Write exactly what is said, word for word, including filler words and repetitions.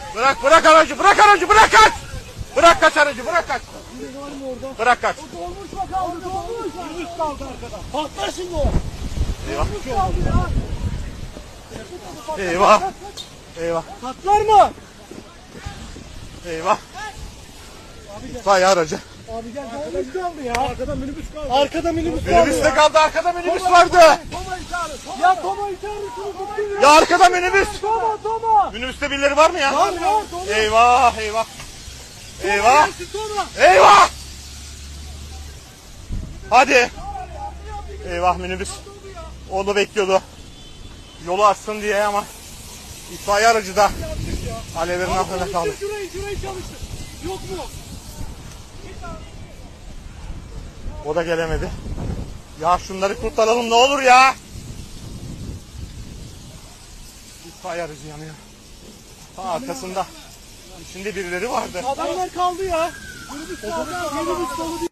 Bırak bırak aracı bırak aracı bırak kaç. Bırak kaç aracı bırak kaç. Bırak kaç. O dolmuş mu kaldı dolmuş. Minibüs kaldı arkada. Patlar şimdi o. Eyvah. Dolmuş kaldı ya. Eyvah. Eyvah. Patlar mı? Eyvah. İtfaiye aracı. Abi gel dolmuş kaldı ya. Arkada minibüs kaldı. Arkada minibüs kaldı. Minibüs de kaldı arkada minibüs vardı. Toma'yı çağırın. Ya Toma'yı çağırın. Ya arkada minibüs. Toma Toma. Minibüste birileri var mı ya? Var var Toma. Eyvah eyvah. Eyvah. Toma. Eyvah. Hadi. Eyvah minibüs. Onu bekliyordu. Yolu açsın diye ama itfaiye aracı da alevlerin altında kaldı. Şurayı şurayı çalıştır. Yok mu? O da gelemedi. Ya şunları kurtaralım ne olur ya. İtfaiye aracı yanıyor. Ha, arkasında. İçinde birileri vardı. Adamlar kaldı ya. Minibüs kaldı. Minibüs dolu değil.